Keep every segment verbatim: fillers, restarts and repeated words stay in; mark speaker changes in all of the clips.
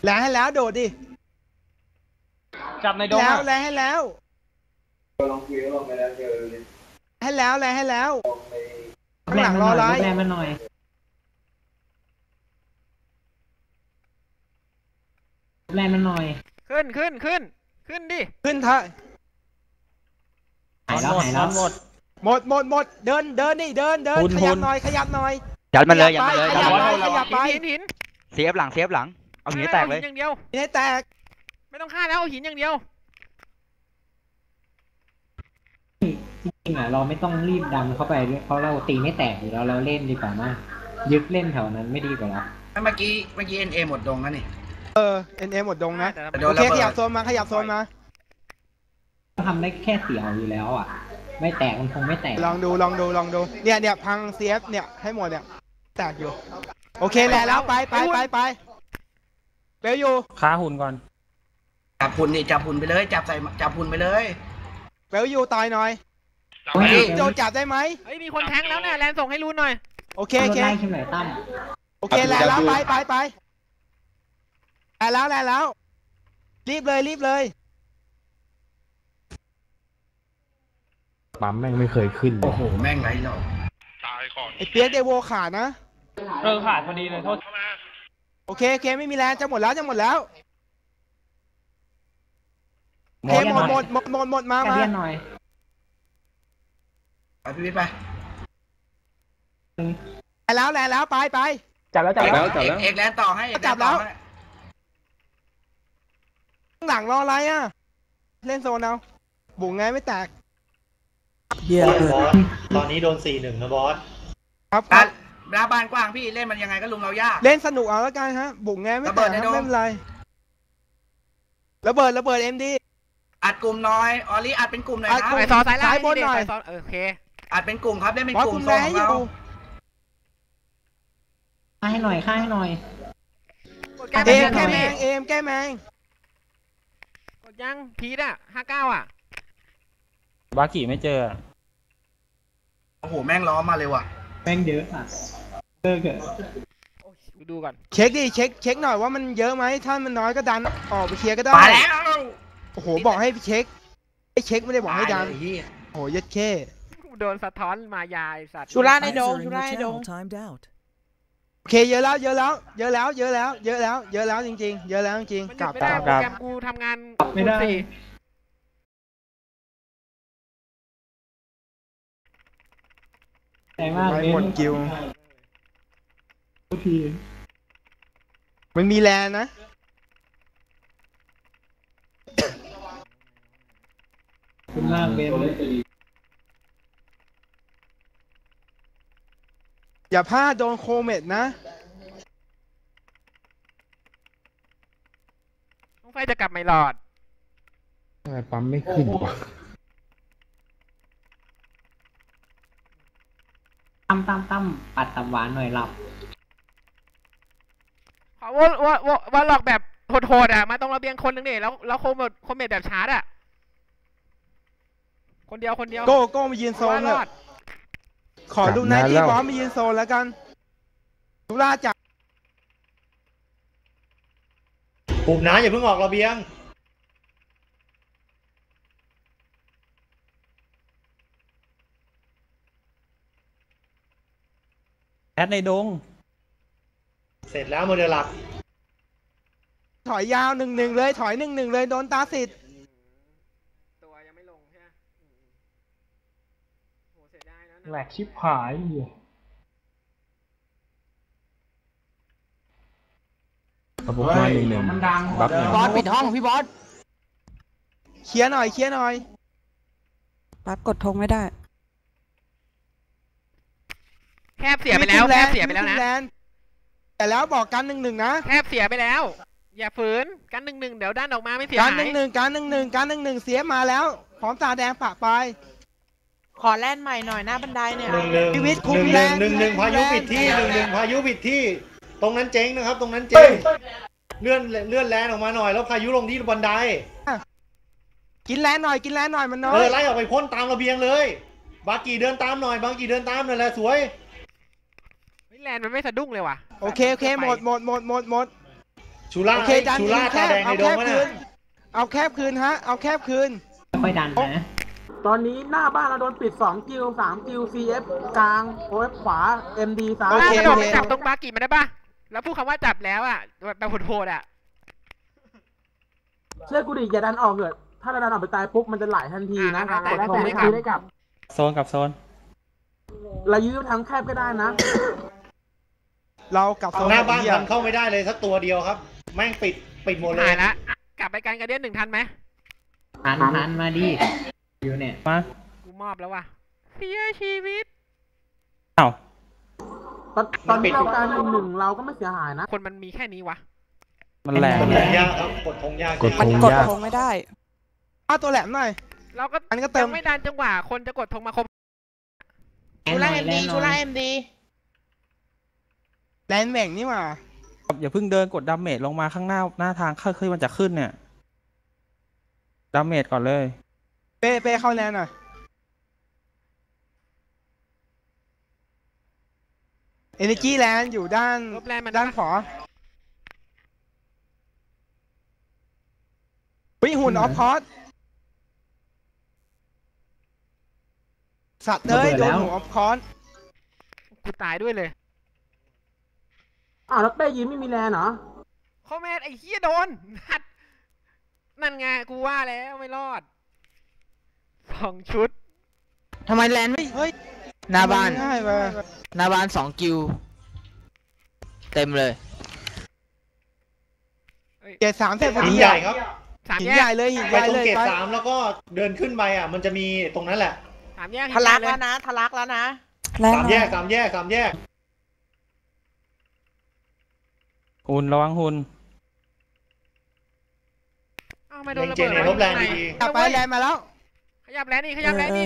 Speaker 1: แล้วให้แล้วโดดดิ
Speaker 2: จับในดงแล้ว
Speaker 1: แล้วให้แล้วให้แล้วแล้วให้แล้วข้างหลังรอไล่
Speaker 3: แรงมาหน่อยแรงมาหน่อย
Speaker 4: ขึ้นขึ้นขึ้นขึ้นดิ
Speaker 1: ขึ้นเถอะ
Speaker 3: หายแล้วหายแล้ว
Speaker 1: หมดหมดหมดหมดเดินเดินนี่เดินเดินขยับหน่อยขยับหน่อย
Speaker 5: ยัดมันเลยยัดมันเลย
Speaker 1: ขยับไปขยับไป
Speaker 4: หินหิน
Speaker 5: เสียบหลังเสียบหลังเอาหินแตกเลย
Speaker 4: อย่างเดียว
Speaker 1: หินแตก
Speaker 4: ไม่ต้องฆ่าแล้วเอาหินอย่างเดียว
Speaker 3: จริงๆอ่ะเราไม่ต้องรีบดันเข้าไปเพราะเราตีไม่แตกอยู่แล้วเราเล่นดีกว่ามากยึดเล่นแถวนั้นไม่ดีกว่าหรอ
Speaker 6: เมื่อกี้เมื่อกี้เอ็นเอหมดดงแล้วนี่
Speaker 1: เออเอ็นเอหมดดงนะโอเคขยับโซนมาขยับโซนมา
Speaker 3: ทำได้แค่เสียวอยู่แล้วอ่ะไม่แตกมันคงไม่แตก
Speaker 1: ลองดูลองดูลองดูเนี่ยเนี่ยพังเซฟเนี่ยให้หมดเนี่ยแตกอยู่โอเคแหละแล้วไปไปไปไปเบลอยู่
Speaker 2: ค้าหุ่นก่อน
Speaker 6: จับหุ่นนี่จับหุ่นไปเลยจับใส่จับหุ่นไปเลย
Speaker 1: เบลอยู่ต่อยหน่อยโจจับได้ไหม
Speaker 4: เฮ้ยมีคนแทงแล้วเนี่ยแลนส่งให้รู้หน่อย
Speaker 1: โอเคโอเค
Speaker 3: ขึ้นไหนตั้ม
Speaker 1: โอเคแหละแล้วไปไปไปแล้วแล้วแล้วรีบเลยรีบเลย
Speaker 7: ปั๊มแม่งไม่เคยขึ้น
Speaker 6: โอ้โหแม่งไรหรอก
Speaker 1: ตายก่อนไอเปียกเดโวขาดนะ
Speaker 2: เออขาดพอดีเลยโทษ
Speaker 1: โอเคโอเคไม่มีแรงจะหมดแล้วจะหมดแล้วโอเคหมดหมดหมดหมดหมดมามา
Speaker 3: หน่อย
Speaker 6: ไปพี่วิทย์ไป
Speaker 1: แล้วแล้วแล้วไปไป
Speaker 2: จับแล้วจับแล้ว
Speaker 6: จับแล้วเอกแลนต่อให้
Speaker 1: จับแล้วข้างหลังรออะไรอ่ะเล่นโซนเอาบุ๋งไงไม่แตก
Speaker 8: เฮียบอสตอนนี้โดนสี่หนึ่งนะบอส
Speaker 1: ครับ
Speaker 6: หน้าบ้านกว้างพี่เล่นมันยังไงก็ลุงเรายาก
Speaker 1: เล่นสนุกเอาแล้วกันฮะบุ๋งไงไม่แตกไม่เป็นไรระเบิดระเบิดเอ็มดี
Speaker 6: อัดกลุ่มน้อยออลี่อัดเป็นกลุ่มหน่อยนะ
Speaker 4: ไปซอสายล่างบนหน่อยโอเค
Speaker 6: อัดเป็นกลุ่มครับเล่นเป็นกลุ่มโซนของเรา
Speaker 3: ฆ่าให้หน่อยฆ่าให้หน่อย
Speaker 1: เอ็มแก้แมงเอ็มแก้แมง
Speaker 4: กดยังพีดอ่ะห้าเก้าอ่ะ
Speaker 2: บากิไม่เจอ
Speaker 6: โอ้โหแม่งล้อมาเลยว่ะ
Speaker 3: แม่งเยอะอ่ะเลิกเถอะ
Speaker 4: ดูก่อน
Speaker 1: เช็คดิเช็คเช็คหน่อยว่ามันเยอะไหมถ้ามันน้อยก็ดันออกไปเคลียร์ก็ได้
Speaker 6: มาแล้ว
Speaker 1: โอ้โหบอกให้เช็คไอ้เช็คไม่ได้บอกให้ดันโอ้โหยัดเข้
Speaker 4: โดนสะท้อนมายายสัตว์
Speaker 9: ชูร่าในดงชูร่าในดง
Speaker 1: โอเคเยอะแล้วเยอะแล้วเยอะแล้วเยอะแล้วเยอะแล้วเยอะแล้วจริงๆเยอะแล้วจริงๆ
Speaker 4: กลับกลับกลับกูทำงาน
Speaker 3: ไม่ได้แต่ว่า
Speaker 1: ไม่หมดกิวทีมันมีแลนนะ
Speaker 3: คุณล่างเบนเลย
Speaker 1: อย่าพลาดโดนโคเมตนะ
Speaker 4: น้องไฟจะกลับไม่รอด
Speaker 7: ทำไมปั๊มไม่ขึ้นวะ
Speaker 3: ตั้มตั้มตั้มปัดตับหวานหน่อยหลับ
Speaker 4: ว่าว่าว่าว่าหลอกแบบโหดๆอ่ะมาตรงระเบียงคนนึงเนี่ยแล้วแล้วโคเมตโคเมตแบบชาร์จอ่ะคนเดียวคนเดียว
Speaker 1: โก้โก้มายืนโซนเลยขอดูนายที่บอสมายืนโซนแล้วกันทุลาจับ
Speaker 8: ปุ่มน้ำอย่าเพิ่งออกระเบียง
Speaker 2: แอดในดง
Speaker 8: เสร็จแล้วโมเดลหลัก
Speaker 1: ถอยยาวหนึ่งหนึ่งเลยถอยหนึ่งหนึ่งเลยโดนตาสิทธิ์
Speaker 4: ตัวยังไม่ลงใช่ไหมโหเสียดายนะ
Speaker 2: แหลกชิบหายอยู่
Speaker 7: ระบบมาหนึ่งหนึ่งบัฟหนึ่ง
Speaker 9: บอสปิดห้องพี่บอส
Speaker 1: เคลียร์หน่อยเคลียร์หน่อย
Speaker 9: ปั๊บกดธงไม่ได้
Speaker 4: แคบเสียไปแล้วแคบเสียไปแล้วนะ
Speaker 1: แต่แล้วบอกกันหนึ่งหนึ่งนะ
Speaker 4: แคบเสียไปแล้วอย่าฝืนกันหนึ่งหนึ่งเดี๋ยวด้านออกมาไม่เสียหาย
Speaker 1: การหนึ่งหนึ่งการหนึ่งหนึ่งการหนึ่งหนึ่งเสียมาแล้วพร้อมตาแดงปะไป
Speaker 9: ขอแล่นใหม่หน่อยหน้าบันไดเนี่ย
Speaker 8: หนึ่งหนึ่งหนึ่งหนึ่งหนึ่งหนึ่งพายุปิดที่หนึ่งหนึ่งพายุปิดที่ตรงนั้นเจ๊งนะครับตรงนั้นเจ๊งเลื่อนเลื่อนแลนออกมาหน่อยแล้วพายุลงที่บันได
Speaker 1: กินแลนหน่อยกินแลนหน่อยมันน้อย
Speaker 8: เออไล่ออกไปพ่นตามระเบียงเลยบากีเดินตามหน่อยบากีเดินตามหน่อยแหละสวย
Speaker 4: แลนมันไม่สะดุ้งเลยว่ะ
Speaker 1: โอเคโอเคหมดหมดหมดหมดหมด
Speaker 8: ชูล่า
Speaker 1: โอเคดัน
Speaker 8: ชูล่า
Speaker 1: แค
Speaker 8: ตา
Speaker 1: บ
Speaker 8: แดงใน
Speaker 1: เอา
Speaker 8: โด
Speaker 1: แค
Speaker 8: ม
Speaker 1: บ
Speaker 8: วะ
Speaker 1: คื
Speaker 8: น่ะ
Speaker 1: นเอาแคบคืนฮะเอาแคบคืน
Speaker 3: ค่อยดันนะ
Speaker 10: ตอนนี้หน้าบ้านเราโดนปิดสองกิวสามกิว ซี เอฟ กลาง โอ เอฟ ขวา เอ็ม ดี ซ้าย
Speaker 1: โอ
Speaker 4: ถ้า
Speaker 1: เค
Speaker 4: กระโดดไปจับตรงบากิมันได้ปะแล้วพูดคำว่าจับแล้วอ่ะแบบโหดๆอ่ะ
Speaker 10: เชื่อกูดิอย่าดันออกเถอะถ้าเราดันออกไปตายปุ๊บมันจะไหลทันทีนะ
Speaker 4: อ่า
Speaker 10: กดทงไม่
Speaker 4: ได้
Speaker 10: ได้
Speaker 4: กลับ
Speaker 2: โซนกับโซน
Speaker 10: เรายื้อทั้งแคบก็ได้นะ
Speaker 1: เรากลับโซน
Speaker 8: หน้าบ้าน
Speaker 1: เหี้ย
Speaker 8: มันเข้าไม่ได้เลยสักตัวเดียวครับ แม่งปิดปิดหมดเลย
Speaker 4: หายละกลับไปกันกระเดียนหนึ่งทันไหม
Speaker 3: ทันทันมาดิอยู่เนี่ย
Speaker 2: มา
Speaker 4: กูมอบแล้วว่ะเสียชีวิต
Speaker 2: อ้าว
Speaker 10: ตอนตอนที่เราการหนึ่งหนึ่งเราก็ไม่เสียหายนะ
Speaker 4: คนมันมีแค่นี้วะ
Speaker 2: มันแรง
Speaker 8: กดธงยากครับกดธงยาก
Speaker 7: กดธ
Speaker 9: มัน
Speaker 7: ง
Speaker 9: กด
Speaker 7: ยาก
Speaker 9: ธงไม่ได้
Speaker 1: เอาตัวแหลมหน่อย
Speaker 4: เราก็
Speaker 1: อันนี้ก็เติม
Speaker 4: ยังไม่ดันจังหวะคนจะกดธงมาครบ
Speaker 9: ชูล่าเอ็มดีชูล่าเอ็มดี
Speaker 1: แลนแหว่งนี่หว่า
Speaker 2: อย่าเพิ่งเดินกดดาเมจลงมาข้างหน้าหน้าทางค่อยๆมันจะขึ้นเนี่ยดาเมจก่อนเลย
Speaker 1: เป้เป้เข้าแลนหน่อยเอเนจีแลนอยู่ด้าน
Speaker 4: ลบแรงมัน
Speaker 1: ด้านขวาวิหุ่นออฟคอร์สสัตว์เลยโดนหัวออฟคอร์ส
Speaker 4: กูตายด้วยเลย
Speaker 10: อ้าวแล้วเป้ยืนไม่มีแรงเหรอ
Speaker 4: คอมเมนต์ไอ้เหี้ยโดนนัดนั่นไงกูว่าแล้วไม่รอดสองชุด
Speaker 5: ทำไมแลนด์ไม่
Speaker 1: เฮ้ย
Speaker 5: หน้าบ้าน
Speaker 1: ง่ายไป
Speaker 5: หน้าบ้านสองกิวเต็มเลย
Speaker 1: เกตสามเสร็จพอ
Speaker 8: หิ
Speaker 1: ดี
Speaker 8: นใหญ่ครับ
Speaker 4: สาม
Speaker 1: หิน
Speaker 4: แย
Speaker 1: ใหญ่
Speaker 4: ก
Speaker 1: เลยหินให
Speaker 8: ไป
Speaker 1: ญ่
Speaker 8: ตรง
Speaker 1: เลย
Speaker 8: เกต
Speaker 1: ไป
Speaker 8: สามแล้วก็เดินขึ้นไปอ่ะ มันจะมีตรงนั้นแหละ
Speaker 4: สามแยก
Speaker 9: ทะลัก
Speaker 4: เห็
Speaker 9: แล้
Speaker 4: น
Speaker 9: ว
Speaker 4: เลย
Speaker 9: นะทะลักแล้วนะแรง
Speaker 8: สาม
Speaker 9: หน่
Speaker 8: แย
Speaker 9: อย
Speaker 8: กสามแยกสามแยก
Speaker 2: หุ่นระวังหุ่น
Speaker 4: อ้าวไม่โด
Speaker 8: เล็
Speaker 4: น
Speaker 8: ง
Speaker 4: ระ
Speaker 8: เจ
Speaker 4: เบิด
Speaker 8: เนลบแรงดี
Speaker 1: กลับไปแลนมาแล้ว
Speaker 4: ขยับแลนนี่ขยับแลนนี่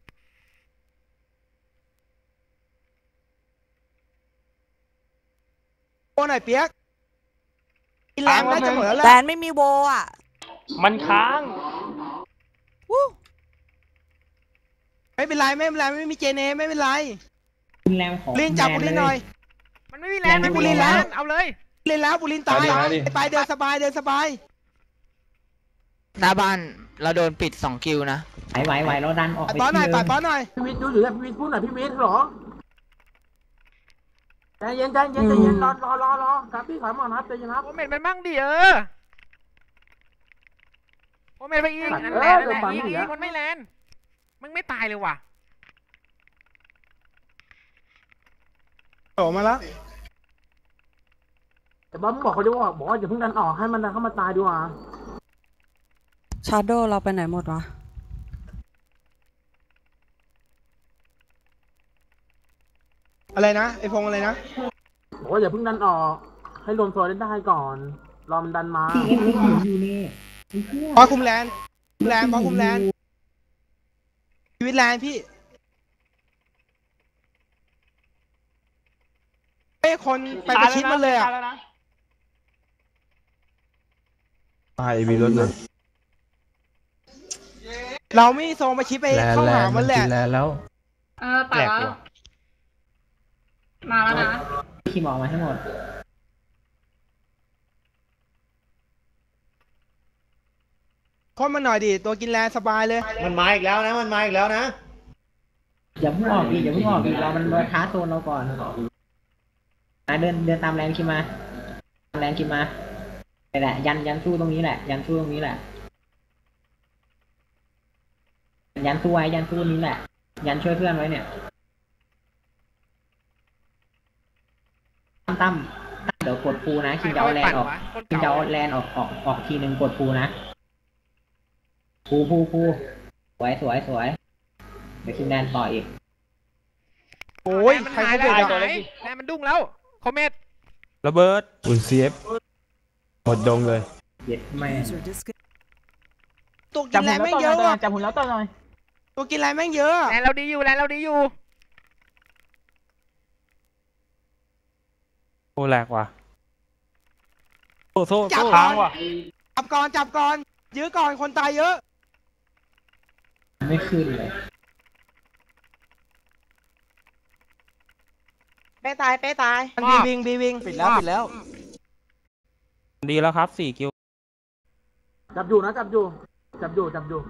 Speaker 1: โอ้หน่อยเปียกกินแลนได้จะหมดแล้วแห
Speaker 9: แล
Speaker 1: ละ
Speaker 9: นไม่มีโวอ่ะ
Speaker 2: มันค้าง
Speaker 9: วู้
Speaker 1: ไม่เป็นไรไม่เป็นไรไม่มีเจเนไม่เป็นไร
Speaker 3: คุณแรงของ
Speaker 1: บุลินจับบุลินหน่อย
Speaker 4: มันไม่มีแรงมันไม่มีแรงเอาเลย
Speaker 1: เล่นแล้วบุลินตายไปเดินสบายเดินสบาย
Speaker 5: หน้าบ้านเราโดนปิดสองกิวนะ
Speaker 3: ไหวไหวไหวเราดันออก
Speaker 1: ปัด
Speaker 3: ไป
Speaker 1: ป้อนหน่อย
Speaker 3: ที่
Speaker 1: ปั
Speaker 3: เดิ
Speaker 1: ด
Speaker 3: ม
Speaker 1: ป้อนหน่อย
Speaker 10: พี่วิทย์ดูอยู่เนี่ยพี่วิทย์พูดหน่อยพี่วิทย์เหรอใจเย็นใจเย็นใจเย็นรอรอรอรอครับพี่ถอยมานะครับใจเย็นครับ
Speaker 4: โอเมนมันมั่งดิเออโอเมนไปอีกนั่นแหละนั่นแหละอีกอีกมันไม่แลนมึงไม่ตายเลยว่ะ
Speaker 1: โผล่มาแล้ว
Speaker 10: แต่บอสมึงบอกเขาด้วยว่าบอกว่าอย่าเพิ่งดันออกให้มันดันเข้ามาตายดีกว่า
Speaker 9: ชาโดเราไปไหนหมดวะ
Speaker 1: อะไรนะไอพงอะไรนะ
Speaker 10: บอกว่าอย่าเพิ่งดันออก ให้รวมตัวได้ได้ก่อน รอมันดันมา
Speaker 3: ที่เอ็มเอ็มหมุนอยู่นี่
Speaker 1: บอสคุมแลนคุมแลนบอสคุมแลนชีวิตแลนพี่เอ้คนไปประชิดมันเลยอ่ะ
Speaker 7: ตายมีรถเลย
Speaker 1: เราไม่โซมาชิดไป
Speaker 7: แลน
Speaker 1: เข้า
Speaker 7: แล
Speaker 1: หาน มันแหละ
Speaker 7: กินแลนแล้ว
Speaker 11: เออแต่ว่ามาแล้วนะ
Speaker 3: ขี่หมอมาให้หมด
Speaker 1: คนมันหน่อยดิตัวกินแลนสบายเลย
Speaker 8: มันมาอีกแล้วนะ มันมาอีกแล้วนะ
Speaker 3: อย่าเพิ่งออกดิอย่าเพิ่งออกดิเรามันมาท้าโซนเราก่อนนะเดินเดินตามแรงคิดมาตามแรงคิดมานี่แหละยันยันสู้ตรงนี้แหละ ยันสู้ตรงนี้แหละ ยันสู้ไว้ยันสู้นี้แหละ ยันช่วยเพื่อนไว้เนี่ยตั้มตั้มตั้มเดี๋ยวกดปูนะคิงจะเอาแลนออกคิงจะเอาแลนออกออกออกทีหนึ่งกดปูนะปูปูปูสวยสวยสวยเดี๋ยวคิงแลนต่ออีก
Speaker 1: โอ้ย
Speaker 4: มัน
Speaker 1: ใคร
Speaker 4: หาย
Speaker 1: เขา
Speaker 4: แล้ว
Speaker 1: เปิด
Speaker 4: หา
Speaker 1: อ่ะ
Speaker 4: ยแลนมันดุ้งแล้วคอมเมนต์
Speaker 2: ระเบิด
Speaker 7: อุ่นซีเอฟหมดดงเลย
Speaker 3: เย็ดแม่
Speaker 1: ตัวกินแลนแม่งเยอะอ่ะ
Speaker 10: จับหุ่นแล้วต่อหน่อย
Speaker 1: ตัวกินแลนแม่งเยอะ
Speaker 4: แลนเราดีอยู่แลนเราดีอยู่
Speaker 2: โอ้แหลกว่ะโซ่โซ่
Speaker 1: จับ
Speaker 2: โซ่
Speaker 1: ก่อ
Speaker 2: ค้าง
Speaker 1: น
Speaker 2: ว่ะ
Speaker 1: จับก่อนจับก่อนยื้อก่อนคนตายเยอะ
Speaker 3: ไม่ขึ้นเลย
Speaker 9: เป้ตายเป้ตาย
Speaker 1: มันบีวิงบีวิงปิดแล้วปิดแล้ว
Speaker 2: ดีแล้วครับสี่กิว
Speaker 10: จับอยู่นะจับอยู่จับอยู่จับอยู่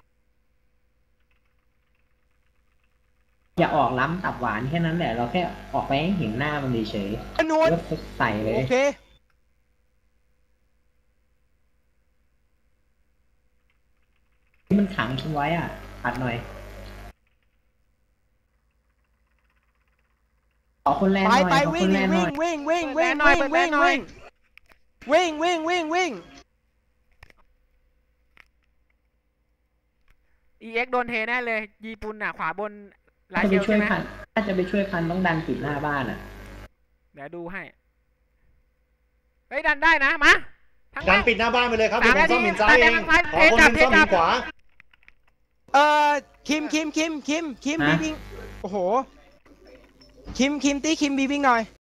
Speaker 3: อย่าออกล้ำตับหวานแค่นั้นแหละเราแค่ออกไปให้เห็นหน้ามันเฉย
Speaker 1: นว
Speaker 3: ๆ
Speaker 1: ด
Speaker 3: แล้วใส่เลย
Speaker 1: โอเค
Speaker 3: ที่มันขังทิ้งไว้อ่ะปัดหน่อยขอคนแรงห
Speaker 1: ไป
Speaker 3: น่อย
Speaker 1: ไป
Speaker 3: ขอค
Speaker 1: วิ่ง
Speaker 3: นแรงหน่
Speaker 1: วิ่
Speaker 3: อง ย
Speaker 1: วิ่งวิ่งวิ่ง
Speaker 4: เปิ
Speaker 1: วิ่
Speaker 4: ด
Speaker 1: ง
Speaker 4: แรงหน่อย
Speaker 1: วิ่ง
Speaker 4: เปิดแรงหน่อย
Speaker 1: วิ่งวิ่งวิ่งวิ่งวิ่ง
Speaker 4: อีเอ็กโดนเทแน่เลยญี่ปุ่นอ่ะขวาบนลาย
Speaker 3: จะ
Speaker 4: เช
Speaker 3: ไป
Speaker 4: ล
Speaker 3: ช่ว
Speaker 4: ใช่
Speaker 3: ย
Speaker 4: ไหม
Speaker 3: พันถ้าจะไปช่วยพันต้องดันปิดหน้าบ้านอ่ะ
Speaker 4: เดี๋ยวดูให้เฮ้ยดันได้นะมาทั้ง
Speaker 8: ดัน
Speaker 4: แม่ง
Speaker 8: ปิดหน้าบ้านไปเลยครับ
Speaker 4: สา
Speaker 8: เดี๋ย
Speaker 4: ม
Speaker 8: วผม
Speaker 4: นาที
Speaker 8: ซ่อมหินซ้ายเอง
Speaker 4: ดันไป
Speaker 8: ขอคนหนึง
Speaker 4: เท
Speaker 8: ซ่อม
Speaker 4: จั
Speaker 8: หิ
Speaker 4: บ
Speaker 8: นขวา
Speaker 1: เออคิมคิมคิมคิมคิมบีบิงโอ้โหคิมคิมตีคิมบีบิงหน่อย